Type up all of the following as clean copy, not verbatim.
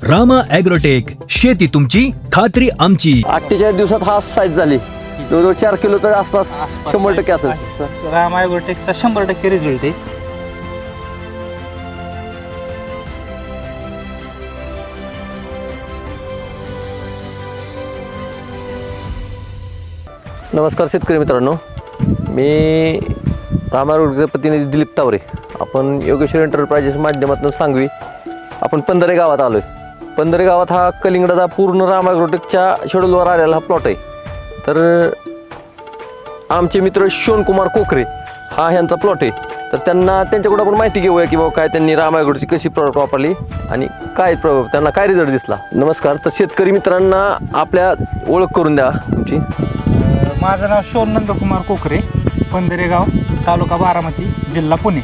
Rama agrotech, शेती तुमची खात्री आमची. 48 दिवसात हा साईज झाली. जवळजवळ 4 किलो तर आसपास 100% असेल. रामा ॲग्रोटेकचा 100% रिझल्ट आहे. नमस्कार शेतकरी मित्रांनो, मी रामा ॲग्रोटेकचे प्रतिनिधी दिलीप तावरे. आपण योगेश्वर एंटरप्राइजेस माध्यमातून सांगवी आपण पंधरे गावात आलो आहे. पंधरे गावात हा कलिंगडाचा पूर्ण रामा ॲग्रोटेकच्या शेड्यूलवर आलेला हा प्लॉट आहे. तर आमचे मित्र शिवकुमार कोकरे हा ह्यांचा प्लॉट आहे. तर त्यांच्याकडून आपण माहिती घेऊया की बाबा काय त्यांनी रामा ॲग्रोटेकची कशी प्रॉडक्ट वापरली आणि त्यांना काय रिझल्ट दिसला. नमस्कार. तर शेतकरी मित्रांना आपल्या ओळख करून द्या तुमची. माझं नाव शोन नंदकुमार कोकरे, पंधरेगाव, तालुका बारामती, जिल्हा पुणे.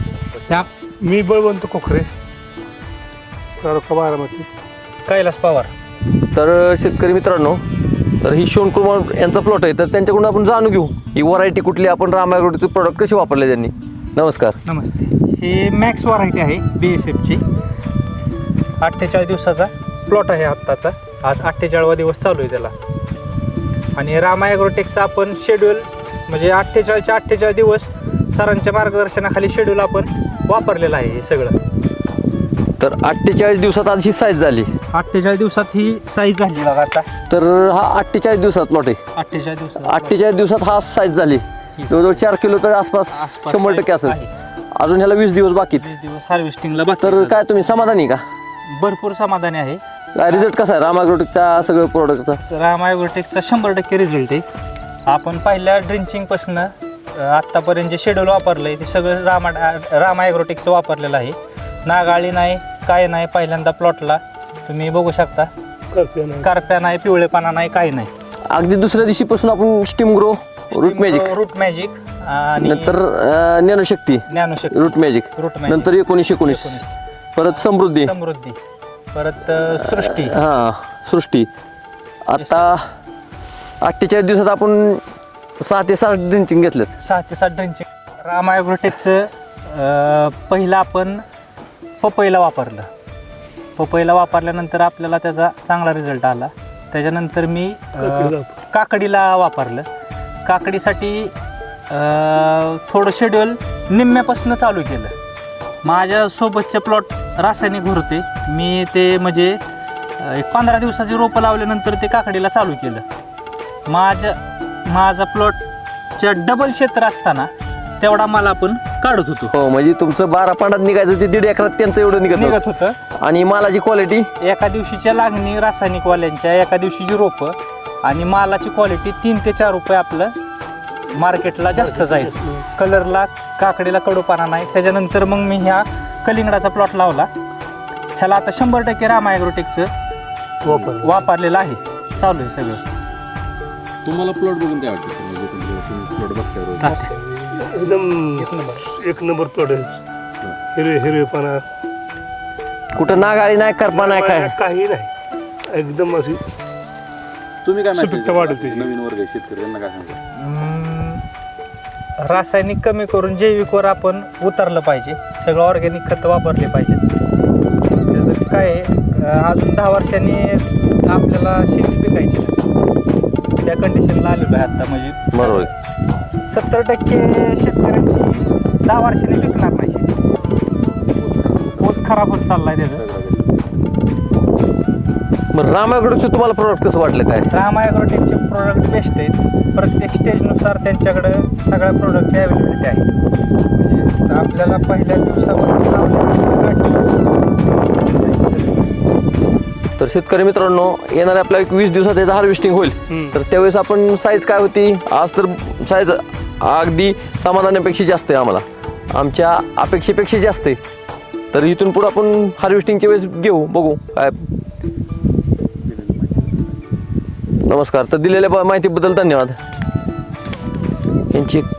मी बळवंत कोकरे, तालुका बारामती, कैलास पवार. तर शेतकरी मित्रांनो, तर ही शिवकुमार यांचा प्लॉट आहे. तर त्यांच्याकडून आपण जाणून घेऊ ही व्हरायटी कुठली, आपण रामा ॲग्रोटेकचे प्रोडक्ट कसे वापरले त्यांनी. नमस्कार. नमस्ते. हे मॅक्स व्हरायटी आहे BSFची. 48 दिवसाचा प्लॉट आहे आत्ताचा. आज 48वा दिवस चालू आहे त्याला. आणि रामा ॲग्रोटेकचा आपण शेड्यूल म्हणजे 48 दिवस सरांच्या मार्गदर्शनाखाली शेड्यूल आपण वापरलेलं आहे हे सगळं. तर 48 दिवसात आज ही साईज झाली. 48 दिवसात ही साईज झाली बघा आता. तर हा 48 दिवसात प्लॉट आहे. 48 दिवसात हा साईज झाली. जवळजवळ 4 किलो तर आसपास 100% असेल. अजून ह्याला 20 दिवस बाकी. 20 दिवस हार्वेस्टिंगला बाकी. तर काय तुम्ही समाधानी का? भरपूर समाधानी आहे. रिझल्ट कसा आहे रामा ॲग्रोटेकचा सगळं प्रोडक्टचा? रामा ॲग्रोटेकचा 100% रिझल्ट आहे. आपण पहिल्या ड्रिंचिंगपासून आत्तापर्यंत जे शेड्यूल वापरलं आहे ते सगळं रामा ॲग्रोटेकचं वापरलेलं आहे. नागाळी नाही, काय नाही. पहिल्यांदा प्लॉटला तुम्ही बघू शकता, करप्या नाही, पिवळेपणा नाही, काही नाही. अगदी दुसऱ्या दिवशीपासून आपण स्टीम ग्रो, रूट मॅजिक आणि नंतर ज्ञानशक्ती, रूट मॅजिक, नंतर 1919 परत समृद्धी, परत सृष्टी. आता 48 दिवसात आपण 6 ते 7 ड्रिंचिंग घेतलेत. 6 ते 7 ड्रिंचिंग. रामा ॲग्रोटेकचं पहिलं आपण पपईला वापरलं. पपईला वापरल्यानंतर आपल्याला त्याचा चांगला रिझल्ट आला. त्याच्यानंतर मी काकडीला वापरलं. काकडीसाठी थोडं शेड्यूल निम्म्यापासून चालू केलं. माझ्यासोबतचे प्लॉट रासायनिक होते. मी ते म्हणजे एक 15 दिवसाची रोपं लावल्यानंतर ते काकडीला चालू केलं. माझा प्लॉटच्या डबल क्षेत्र असताना तेवढा मला आपण काढत होतो. हो, म्हणजे तुमचं 12 पांडात निघायचं ते 1.5 एकरात त्यांचं एवढं निघत होतं. आणि मालाची क्वालिटी एका दिवशीच्या लागणी रासायनिकवाल्यांच्या, एका दिवशीची रोपं आणि मालाची क्वालिटी 3 ते 4 रुपये आपलं मार्केटला जास्त जायचं. कलरला, काकडीला कडूपाना नाही. त्याच्यानंतर मग मी ह्या कलिंगडाचा प्लॉट लावला. ह्याला आता 100% रामा ॲग्रोटेकचं वापरलेलं आहे. चालू आहे सगळं. तुम्हाला प्लॉट बघून काय वाटतं? प्लॉट बघताय एकदम एक नंबर प्लॉट आहे. हिरवेपणा, कुठं नागाळी नाही, करपा नाही, काय काही नाही. एकदम अशी तुम्ही काय सुपीकता वाढते. नवीन वर्ग शेतकऱ्यांना काय सांगता? रासायनिक कमी करून जैविकवर आपण उतरलं पाहिजे. सगळं ऑर्गॅनिक खतं वापरले पाहिजे. त्याचं काय आहे, अजून 10 वर्षांनी आपल्याला शेती पिकायची त्या कंडिशनला आलेलो आहे आता. म्हणजे बरोबर. 70% शेतकऱ्यांची 10 वर्षांनी पिकणार नाही शेती. पोत खराब होत चाललाय त्याचं. मग रामा ॲग्रोटेकचं तुम्हाला प्रोडक्ट कसं वाटलं काय? रामा ॲग्रोटेकचे प्रोडक्ट बेस्ट आहेत. प्रत्येक स्टेजनुसार त्यांच्याकडं सगळ्या प्रोडक्टची अवेलेबिलिटी आहे. म्हणजे आपल्याला पहिल्या तर शेतकरी मित्रांनो, येणाऱ्या आपल्या 20 दिवसात याचं हार्वेस्टिंग होईल. तर त्यावेळेस आपण साईज काय होती, आज तर साईज अगदी समाधानापेक्षा जास्त आहे. आमच्या अपेक्षेपेक्षा जास्त आहे. तर इथून पुढे आपण हार्वेस्टिंगच्या वेळेस घेऊ, बघू काय. नमस्कार. तर दिलेल्या माहितीबद्दल धन्यवाद. यांची